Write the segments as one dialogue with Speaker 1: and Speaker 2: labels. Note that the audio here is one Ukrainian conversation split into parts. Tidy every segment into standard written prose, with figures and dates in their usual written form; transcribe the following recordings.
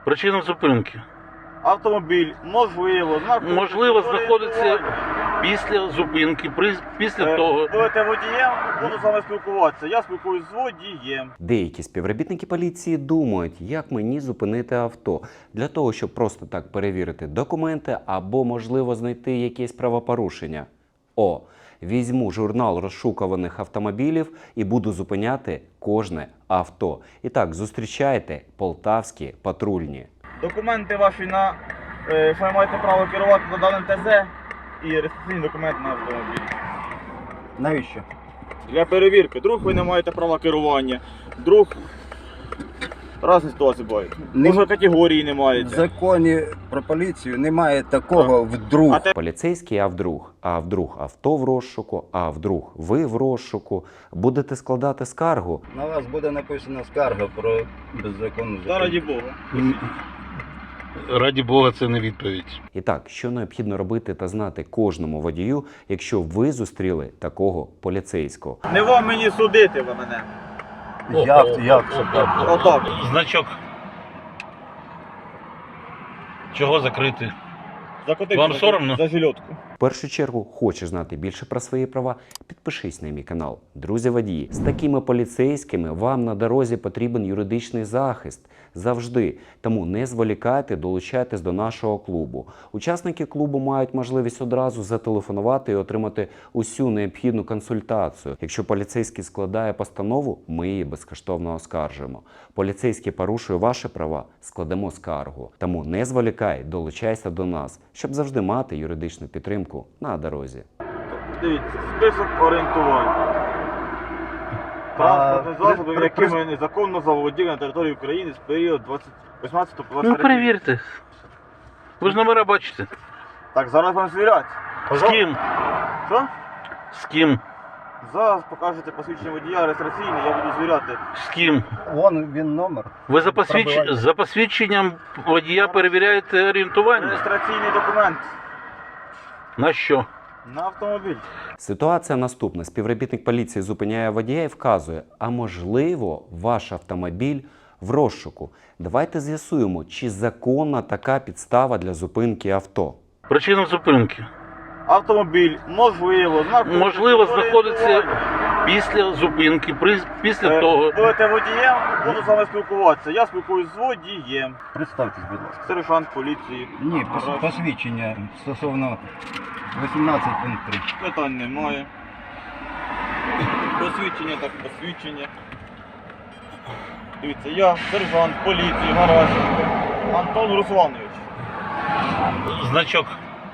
Speaker 1: Причина зупинки.
Speaker 2: Автомобіль,
Speaker 1: Можливо, знаходиться після зупинки, після того.
Speaker 2: Будете водієм, буду з вами спілкуватися. Я спілкуюсь з водієм.
Speaker 3: Деякі співробітники поліції думають, як мені зупинити авто, для того, щоб просто так перевірити документи або, можливо, знайти якесь правопорушення. Візьму журнал розшукуваних автомобілів і буду зупиняти кожне авто. І так, зустрічайте полтавські патрульні.
Speaker 2: Документи ваші на що ви маєте право керувати на даним ТЗ і реєстраційний документ на автомобіль.
Speaker 4: Навіщо?
Speaker 2: Для перевірки. Вдруг ви не маєте права керування. Вдруг різні ситуації бувають. Може категорії не
Speaker 4: В
Speaker 2: маєте.
Speaker 4: законі про поліцію немає такого вдруг.
Speaker 3: Поліцейський, а вдруг авто в розшуку, а вдруг ви в розшуку. Будете складати скаргу.
Speaker 4: На вас буде написана скарга про беззаконну
Speaker 2: Та раді
Speaker 4: зупинку.
Speaker 2: Бога.
Speaker 1: Раді Бога, це не відповідь.
Speaker 3: І так, що необхідно робити та знати кожному водію, якщо ви зустріли такого поліцейського?
Speaker 2: Не вам мені судити ви мене.
Speaker 4: Як це так?
Speaker 2: Отак.
Speaker 1: Значок. Чого закрити?
Speaker 2: Закотив
Speaker 1: Вам соромно?
Speaker 2: за жильотку.
Speaker 3: В першу чергу, хочеш знати більше про свої права? Підпишись на мій канал. Друзі водії, з такими поліцейськими вам на дорозі потрібен юридичний захист. Завжди. Тому не зволікайте, долучайтесь до нашого клубу. Учасники клубу мають можливість одразу зателефонувати і отримати усю необхідну консультацію. Якщо поліцейський складає постанову, ми її безкоштовно оскаржуємо. Поліцейський порушує ваші права, складемо скаргу. Тому не зволікай, долучайся до нас, щоб завжди мати юридичну підтримку на дорозі.
Speaker 2: Дивіться, список орієнтувань. Транспортних засобів, якими незаконно заволоділи на території України з періоду 18 по 23.
Speaker 1: Ну, перевірте. Ви ж номера бачите.
Speaker 2: Так, зараз вам звірять.
Speaker 1: З ким?
Speaker 2: Що?
Speaker 1: З ким?
Speaker 2: Зараз покажете посвідчення водія реєстраційне, я буду звіряти.
Speaker 1: З ким?
Speaker 4: Вон він номер.
Speaker 1: Ви за посвідченням водія перевіряєте орієнтування?
Speaker 2: Реєстраційний документ
Speaker 1: На що?
Speaker 2: на автомобіль.
Speaker 3: Ситуація наступна. Співробітник поліції зупиняє водія і вказує, а можливо, ваш автомобіль в розшуку. Давайте з'ясуємо, чи законна така підстава для зупинки авто.
Speaker 1: Причина зупинки.
Speaker 2: Автомобіль,
Speaker 1: Можливо, знаходиться після зупинки, після того.
Speaker 2: Будете водієм, буду з вами спілкуватися. Я спілкуюсь з водієм.
Speaker 4: Представтесь, будь ласка.
Speaker 2: Сержант поліції.
Speaker 4: Ні, посвідчення стосовно 18 пункт 3.
Speaker 2: Питань немає. Посвідчення так посвідчення. Дивіться, я сержант поліції Гаращенко Антон Русланович.
Speaker 1: Значок.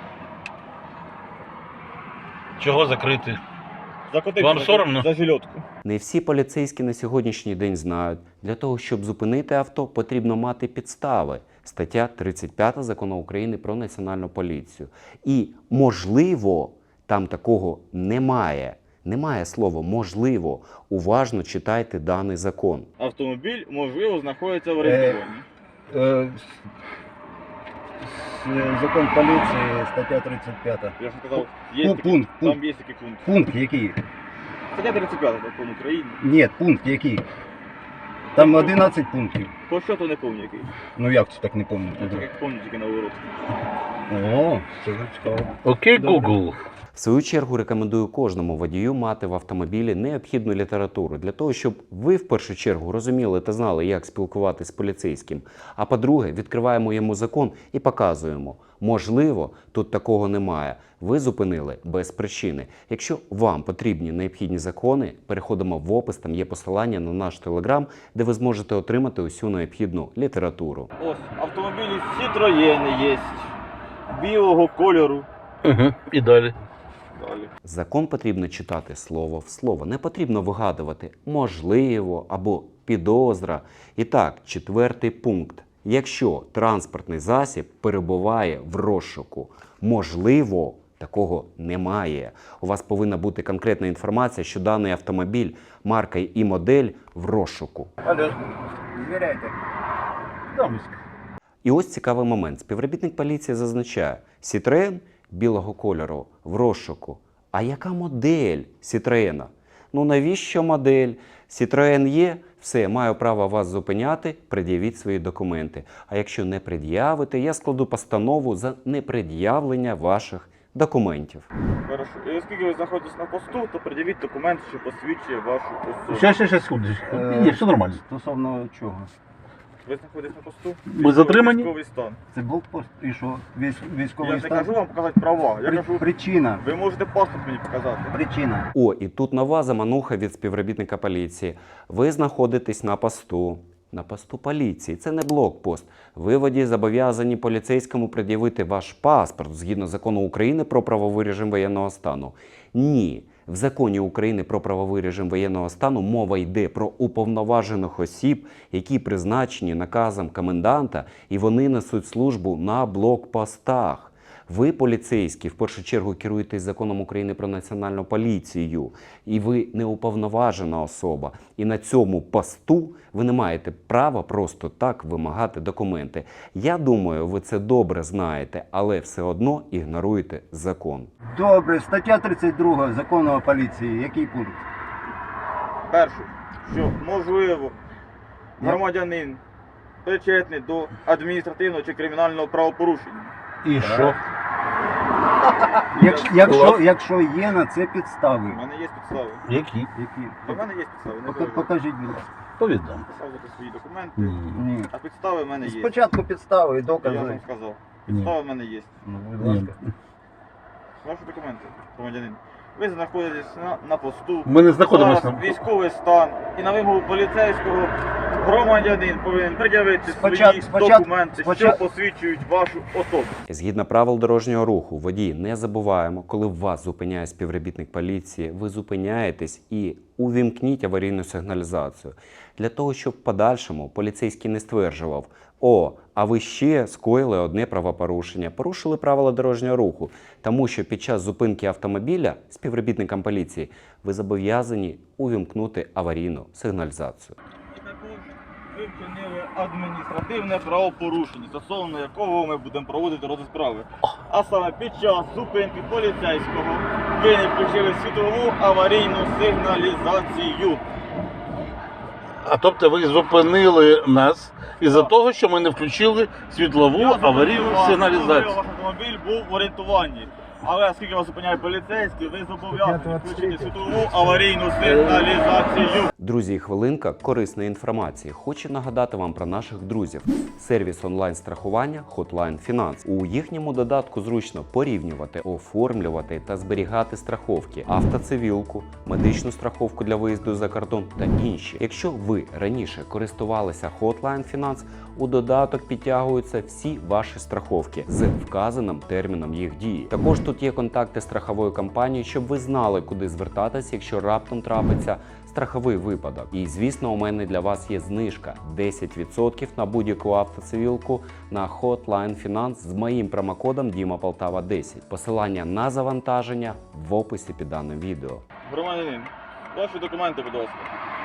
Speaker 1: Чого закрити?
Speaker 2: Закотив
Speaker 1: Вам соромно?
Speaker 2: за жильотку.
Speaker 3: Не всі поліцейські на сьогоднішній день знають, для того, щоб зупинити авто, потрібно мати підстави. Стаття 35 Закону України про Національну поліцію. І, можливо, там такого немає. Немає слова «можливо». Уважно читайте даний закон.
Speaker 2: Автомобіль, можливо, знаходиться в орієнтуванні.
Speaker 4: Закон поліції, стаття 35.
Speaker 2: Я ж сказав, є такий,
Speaker 4: Пункт.
Speaker 2: там є такий пункт.
Speaker 4: Пункт який?
Speaker 2: Стаття 35 Закону України.
Speaker 4: Ні, пункт який? Там 11 пунктів.
Speaker 2: По що то не пам'ятаю який.
Speaker 4: Ну як це так не пам'ятаю?
Speaker 2: Я так як пам'ятаю тільки на ворот.
Speaker 4: О, це вже цікаво.
Speaker 1: Окей, Google.
Speaker 3: В свою чергу рекомендую кожному водію мати в автомобілі необхідну літературу для того, щоб ви в першу чергу розуміли та знали, як спілкуватися з поліцейським. А по-друге, відкриваємо йому закон і показуємо. Можливо, тут такого немає. Ви зупинили без причини. Якщо вам потрібні необхідні закони, переходимо в опис, там є посилання на наш телеграм, де ви зможете отримати усю необхідну літературу.
Speaker 2: Ось, автомобілі Citroën є. Білого кольору.
Speaker 1: Угу. І далі.
Speaker 2: Далі.
Speaker 3: Закон потрібно читати слово в слово. Не потрібно вигадувати «можливо» або «підозра». І так, 4-й пункт. Якщо транспортний засіб перебуває в розшуку, можливо, такого немає. У вас повинна бути конкретна інформація, що даний автомобіль, марка і модель в розшуку.
Speaker 4: Алло, звіряйте. Домиськ.
Speaker 3: І ось цікавий момент. Співробітник поліції зазначає, Citroën білого кольору в розшуку. А яка модель Citroën? Ну навіщо модель? Citroen є, все, маю право вас зупиняти, пред'явіть свої документи. А якщо не пред'явите, я складу постанову за непред'явлення ваших документів.
Speaker 2: Хорошо. І оскільки ви знаходитесь на посту, то пред'явіть документ, що посвідчує вашу особу.
Speaker 1: Щас, секундочку. Ні, все нормально.
Speaker 4: Стосовно чого?
Speaker 2: Ви знаходитесь на посту?
Speaker 1: Ми затримані?
Speaker 2: Військовий стан.
Speaker 4: Це блокпост і що? Військовий
Speaker 2: Я не
Speaker 4: стан?
Speaker 2: кажу вам показати права. Я кажу,
Speaker 4: Причина.
Speaker 2: ви можете паспорт мені показати.
Speaker 4: Причина.
Speaker 3: О, і тут нова замануха від співробітника поліції. Ви знаходитесь на посту. На посту поліції. Це не блокпост. Ви, водій, зобов'язані поліцейському пред'явити ваш паспорт згідно закону України про правовий режим воєнного стану. Ні. В законі України про правовий режим воєнного стану мова йде про уповноважених осіб, які призначені наказом коменданта, і вони несуть службу на блокпостах. Ви, поліцейські, в першу чергу керуєтесь законом України про національну поліцію, і ви не уповноважена особа. І на цьому посту ви не маєте права просто так вимагати документи. Я думаю, ви це добре знаєте, але все одно ігноруєте закон.
Speaker 4: Добре, стаття 32 закону поліції. Який пункт?
Speaker 2: Перше, що можливо громадянин причетний до адміністративного чи кримінального правопорушення.
Speaker 1: І що?
Speaker 4: Якщо є на це підстави.
Speaker 2: У мене є підстави.
Speaker 1: Які?
Speaker 4: Які?
Speaker 2: У мене є підстави. Не переживайте.
Speaker 4: Покажіть, будь ласка.
Speaker 1: Повідом.
Speaker 2: Показувати свої документи.
Speaker 4: Ні.
Speaker 2: А підстави в мене є.
Speaker 4: Спочатку підстави і
Speaker 2: Я
Speaker 4: докази.
Speaker 2: вам сказав. Підстави в мене є.
Speaker 4: Ну, будь ласка.
Speaker 2: Ваші документи, громадянин. Ви знаходитесь на посту.
Speaker 1: Ми не знаходимося
Speaker 2: Зараз
Speaker 1: на...
Speaker 2: військовий стан. І на вимогу поліцейського громадянин повинен пред'явити свої документи, що посвідчують вашу особу.
Speaker 3: Згідно правил дорожнього руху, водії, не забуваємо, коли вас зупиняє співробітник поліції, ви зупиняєтесь і увімкніть аварійну сигналізацію. Для того, щоб в подальшому поліцейський не стверджував: «О, а ви ще скоїли одне правопорушення, порушили правила дорожнього руху», тому що під час зупинки автомобіля співробітникам поліції ви зобов'язані увімкнути аварійну сигналізацію.
Speaker 2: І також ви вчинили адміністративне правопорушення, стосовно якого ми будемо проводити розгляд справи. А саме під час зупинки поліцейського ви не включили світлову аварійну сигналізацію.
Speaker 1: А тобто ви зупинили нас із-за того, що ми не включили світлову аварійну сигналізацію.
Speaker 2: Ваш автомобіль був в орієнтуванні. Але оскільки вас зупиняє поліцейський, ви зобов'язані включити світлову аварійну сигналізацію.
Speaker 3: Друзі, і хвилинка корисної інформації. Хочу нагадати вам про наших друзів. Сервіс онлайн-страхування Hotline Finance. У їхньому додатку зручно порівнювати, оформлювати та зберігати страховки, автоцивілку, медичну страховку для виїзду за кордон та інші. Якщо ви раніше користувалися Hotline Finance, у додаток підтягуються всі ваші страховки з вказаним терміном їх дії. Також тут є контакти страхової компанії, щоб ви знали, куди звертатися, якщо раптом трапиться страховий випадок. І, звісно, у мене для вас є знижка 10% на будь-яку автоцивілку на Hotline Finance з моїм промокодом DIMAPOLTAVA10. Посилання на завантаження в описі під даним відео.
Speaker 2: Громадянин, ваші документи, будь ласка.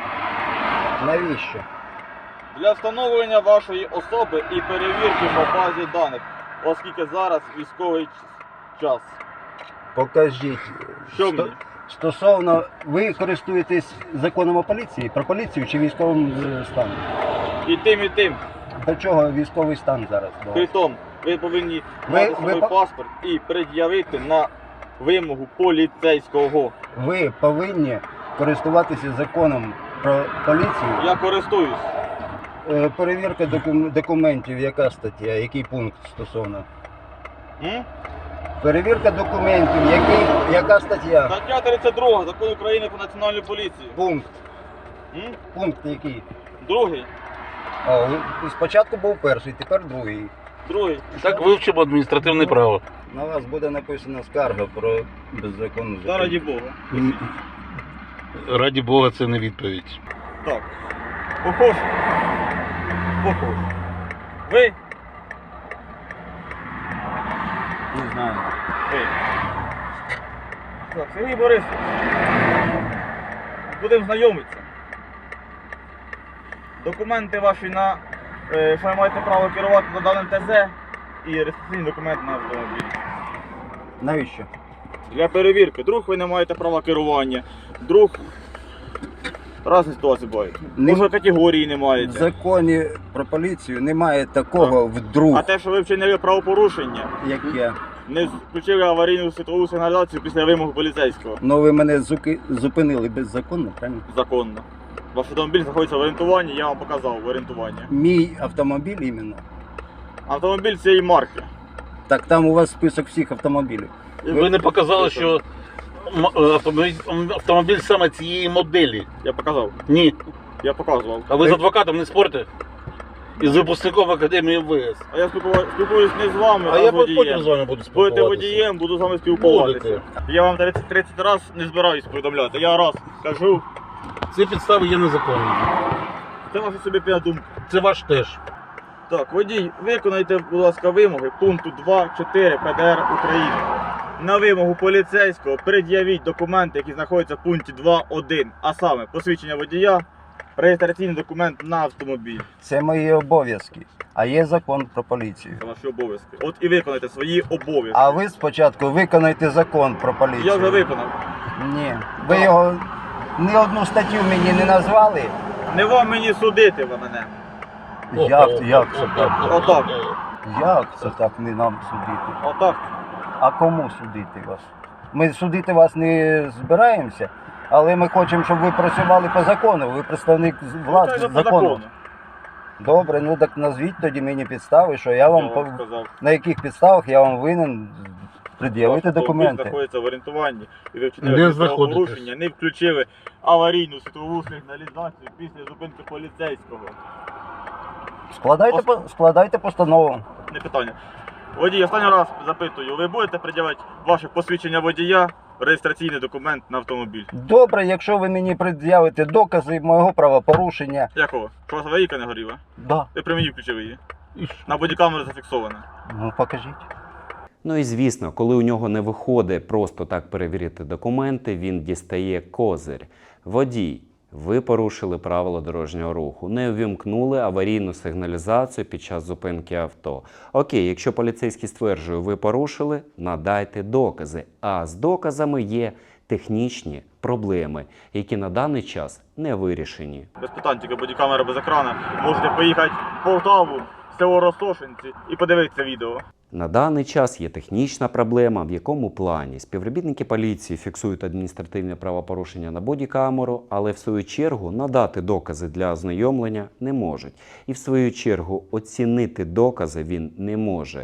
Speaker 4: Навіщо?
Speaker 2: Для встановлення вашої особи і перевірки по базі даних, оскільки зараз військовий час.
Speaker 4: Покажіть.
Speaker 2: Що мені?
Speaker 4: Стосовно, ви користуєтесь законом поліції, про поліцію чи військовим станом?
Speaker 2: І тим, і тим.
Speaker 4: До чого військовий стан зараз?
Speaker 2: Притом, ви повинні мати свій паспорт і пред'явити на вимогу поліцейського.
Speaker 4: Ви повинні користуватися законом про поліцію.
Speaker 2: Я користуюсь.
Speaker 4: Перевірка документів, яка стаття, який пункт стосовно? Перевірка документів, яка стаття?
Speaker 2: Стаття 32 Закону України про національну поліцію.
Speaker 4: Пункт. Пункт який?
Speaker 2: Другий.
Speaker 4: Спочатку був перший, тепер другий.
Speaker 2: Другий.
Speaker 1: Так вивчимо адміністративне право.
Speaker 4: На вас буде написана скарга про беззаконну
Speaker 2: Та раді Бога.
Speaker 1: Раді Бога, це не відповідь.
Speaker 2: Так. Похож. Похож. Ви?
Speaker 4: Не знаю.
Speaker 2: Ви. Так, Сергій Борисович. Будемо знайомитися. Документи ваші на, що ви маєте право керувати на даним ТЗ і реєстраційний документ на автомобіль.
Speaker 4: Навіщо?
Speaker 2: Для перевірки. Друг ви не маєте права керування. Друг Разні ситуації бувають.
Speaker 4: Не-
Speaker 2: Може категорії не
Speaker 4: В
Speaker 2: маєте.
Speaker 4: законі про поліцію немає такого вдруг,
Speaker 2: А те, що ви вчинили правопорушення,
Speaker 4: як я.
Speaker 2: не включили аварійну світлову сигналізацію після вимог поліцейського.
Speaker 4: Ну ви мене зупинили беззаконно, правильно?
Speaker 2: Законно. Ваш автомобіль знаходиться в орієнтуванні, я вам показав в орієнтуванні.
Speaker 4: Мій автомобіль іменно.
Speaker 2: Автомобіль цієї марки.
Speaker 4: Так там у вас список всіх автомобілів.
Speaker 1: Ви не показали, що автомобіль саме цієї моделі.
Speaker 2: Я показав.
Speaker 1: Ні.
Speaker 2: Я показував.
Speaker 1: А ви з адвокатом не спорите? І з випускником Академії МВС.
Speaker 2: А я спілкуюсь не з вами,
Speaker 1: А
Speaker 2: а
Speaker 1: я
Speaker 2: з водієм.
Speaker 1: потім з вами буду спілкуватися.
Speaker 2: Будете водієм, буду з вами спілкуватися.
Speaker 1: Будете.
Speaker 2: Я вам 30 разів не збираюсь повідомляти. Я раз кажу,
Speaker 1: Ці підстави є незаконними.
Speaker 2: це ваша собі думка.
Speaker 1: Це ваш теж.
Speaker 2: Так, водій, виконайте, будь ласка, вимоги пункту 2.4 ПДР України. На вимогу поліцейського пред'явіть документи, які знаходяться в пункті 2.1, а саме посвідчення водія, реєстраційний документ на автомобіль.
Speaker 4: Це мої обов'язки. А є закон про поліцію.
Speaker 2: Це ваші обов'язки. От і виконайте свої обов'язки.
Speaker 4: А ви спочатку виконайте закон про поліцію.
Speaker 2: Я вже виконав.
Speaker 4: Ні. Ви його ні одну статтю мені не назвали.
Speaker 2: Не вам мені судити ви мене.
Speaker 4: Як це так?
Speaker 2: Отак.
Speaker 4: Як це так не нам судити?
Speaker 2: Отак.
Speaker 4: А кому судити вас? Ми судити вас не збираємося, але ми хочемо, щоб ви працювали по закону. Ви представник влади
Speaker 2: Це по
Speaker 4: закону. Добре, ну так назвіть тоді мені підстави, що я
Speaker 2: Я
Speaker 4: вам
Speaker 2: вам сказав.
Speaker 4: на яких підставах я вам винен пред'явити
Speaker 2: Ваш автомобіль
Speaker 4: документи.
Speaker 2: знаходиться в орієнтуванні і ви
Speaker 1: Де
Speaker 2: вчинили
Speaker 1: знаходитесь?
Speaker 2: порушення, не включили аварійну світлову сигналізацію після зупинки поліцейського.
Speaker 4: Складайте постанову.
Speaker 2: Не питання. Водій, останній раз запитую, ви будете пред'явити ваше посвідчення водія, реєстраційний документ на автомобіль?
Speaker 4: Добре, якщо ви мені пред'явите докази мого правопорушення.
Speaker 2: Якого? Що у вас аварійка не горіла?
Speaker 4: Да.
Speaker 2: Ви при мені включили її. На бодікамеру зафіксовано.
Speaker 4: Ну покажіть.
Speaker 3: Ну і звісно, коли у нього не виходить просто так перевірити документи, він дістає козир. Водій, ви порушили правила дорожнього руху, не увімкнули аварійну сигналізацію під час зупинки авто. Окей, якщо поліцейський стверджує, ви порушили, надайте докази. А з доказами є технічні проблеми, які на даний час не вирішені.
Speaker 2: Без питань, тільки бодікамера без екрану. Можете поїхати в Полтаву, в село Ростошинці і подивитися відео.
Speaker 3: На даний час є технічна проблема, в якому плані співробітники поліції фіксують адміністративне правопорушення на бодікамеру, але в свою чергу надати докази для ознайомлення не можуть. І в свою чергу оцінити докази він не може.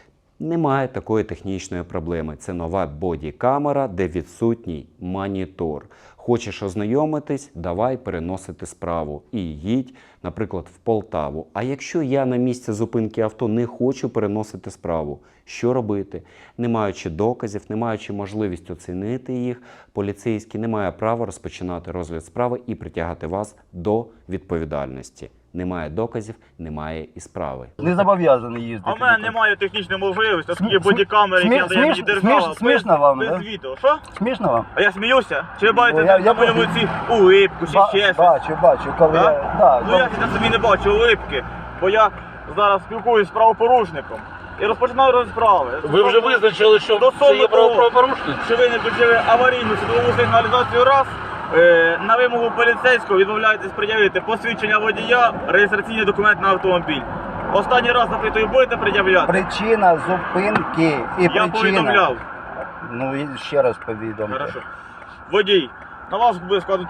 Speaker 3: Немає такої технічної проблеми. Це нова бодікамера, де відсутній монітор. Хочеш ознайомитись, давай переносити справу і їдь, наприклад, в Полтаву. А якщо я на місці зупинки авто не хочу переносити справу, що робити? Не маючи доказів, не маючи можливість оцінити їх, поліцейський не має права розпочинати розгляд справи і притягати вас до відповідальності. Немає доказів, немає і справи.
Speaker 4: Не зобов'язаний їздити.
Speaker 2: А в мене немає технічної можливості, оскільки бодікамери, які надає мені
Speaker 4: смішно
Speaker 2: держава,
Speaker 4: вам,
Speaker 2: без
Speaker 4: да?
Speaker 2: відео. Що?
Speaker 4: Смішно вам?
Speaker 2: А я сміюся? Чи ви бачите
Speaker 4: Ну, я
Speaker 2: на моєму ці улипку, чи ще щось?
Speaker 4: Бачу, коли
Speaker 2: Да?
Speaker 4: я... Да,
Speaker 2: Ну я на собі не бачу улипки, бо я зараз спілкуюсь з правопорушником і розпочинаю розправи.
Speaker 1: Ви вже визначили, що
Speaker 2: До
Speaker 1: це є
Speaker 2: того,
Speaker 1: правопорушник?
Speaker 2: що ви не включили аварійну світлову сигналізацію раз, на вимогу поліцейського відмовляєтесь пред'явити посвідчення водія, реєстраційний документ на автомобіль. Останній раз запитую, будете пред'являти?
Speaker 4: Причина зупинки і
Speaker 2: Я
Speaker 4: причина...
Speaker 2: повідомляв.
Speaker 4: Ну, і ще раз повідомте.
Speaker 2: Хорошо. Водій, на вас буде складено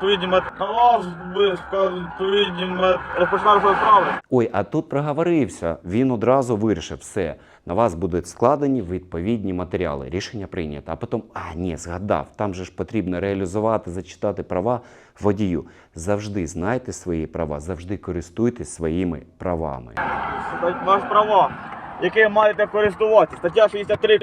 Speaker 2: відповідні розпочинаю справи.
Speaker 3: Ой, а тут проговорився. Він одразу вирішив все. На вас будуть складені відповідні матеріали. Рішення прийнято. А потім, ні, згадав, там же ж потрібно реалізувати, зачитати права водію. Завжди знайте свої права, завжди користуйтесь своїми правами.
Speaker 2: Ваш права, яким маєте користуватися. Стаття 63.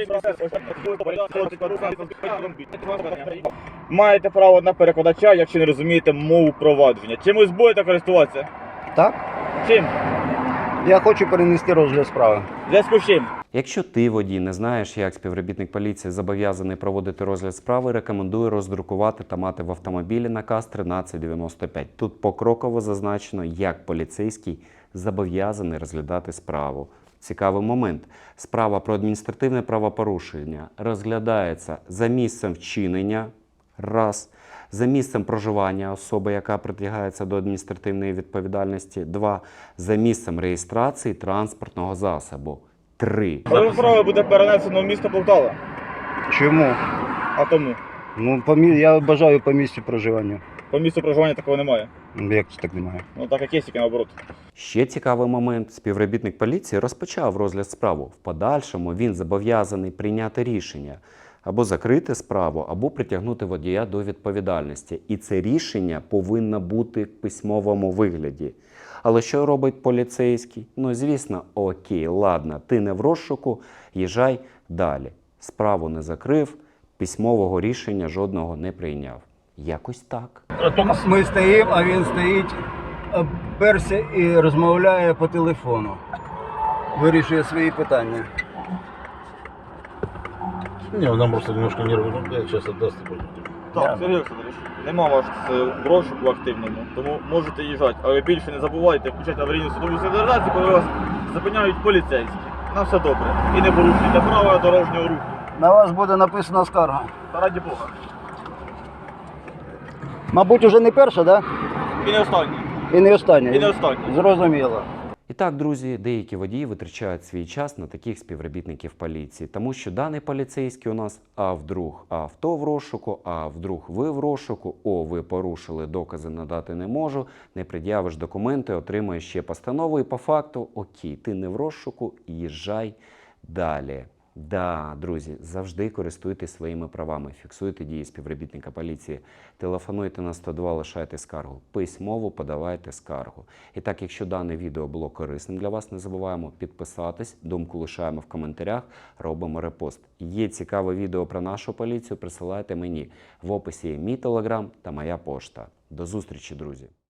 Speaker 2: Маєте право на перекладача, якщо не розумієте мову провадження. Чимось будете користуватися?
Speaker 4: Так?
Speaker 2: Чим?
Speaker 4: Я хочу перенести розгляд справи.
Speaker 2: В зв'язку з чим?
Speaker 3: Якщо ти, водій, не знаєш, як співробітник поліції зобов'язаний проводити розгляд справи, рекомендую роздрукувати та мати в автомобілі наказ 1395. Тут покроково зазначено, як поліцейський зобов'язаний розглядати справу. Цікавий момент. Справа про адміністративне правопорушення розглядається за місцем вчинення, раз, За місцем проживання особи, яка притягається до адміністративної відповідальності. 2. За місцем реєстрації транспортного засобу. 3.
Speaker 2: Розгляд справи буде перенесено в місто Полтава.
Speaker 4: Чому?
Speaker 2: А тому
Speaker 4: Ну, я бажаю по місцю проживання.
Speaker 2: по місцю проживання такого немає.
Speaker 4: Як це так немає?
Speaker 2: Ну так як є, тільки наоборот.
Speaker 3: Ще цікавий момент. Співробітник поліції розпочав розгляд справи. В подальшому він зобов'язаний прийняти рішення або закрити справу, або притягнути водія до відповідальності. І це рішення повинно бути в письмовому вигляді. Але що робить поліцейський? Ну, звісно, окей, ладно, ти не в розшуку, їжджай далі. Справу не закрив, письмового рішення жодного не прийняв. Якось так.
Speaker 4: Ми стоїмо, а він стоїть, перся і розмовляє по телефону. Вирішує свої питання.
Speaker 1: Не, он нам просто немножко нервы. Сейчас отдаст и пойдет.
Speaker 2: Так, Сергій Олександрович, нема вас в розшуку активному, тому можете їжджати. Але більше не забувайте включати аварійну судову сигналізацію, коли вас зупиняють поліцейські. На все добре. І не порушуйте правила дорожнього руху.
Speaker 4: На вас буде написана скарга.
Speaker 2: Та раді Бога.
Speaker 4: Мабуть, уже не перша, так?
Speaker 2: І не останній.
Speaker 4: І не остання.
Speaker 2: І не останній.
Speaker 4: Зрозуміло.
Speaker 3: І так, друзі, деякі водії витрачають свій час на таких співробітників поліції, тому що даний поліцейський у нас, а вдруг авто в розшуку, а вдруг ви в розшуку, ви порушили, докази надати не можу, не пред'явиш документи, отримаєш ще постанову і по факту, окей, ти не в розшуку, їжджай далі. Да, друзі, завжди користуйтесь своїми правами, фіксуйте дії співробітника поліції, телефонуйте на 102, лишайте скаргу, письмово подавайте скаргу. І так, якщо дане відео було корисним для вас, не забуваємо підписатись, думку лишаємо в коментарях, робимо репост. Є цікаве відео про нашу поліцію, присилайте мені. В описі є мій телеграм та моя пошта. До зустрічі, друзі!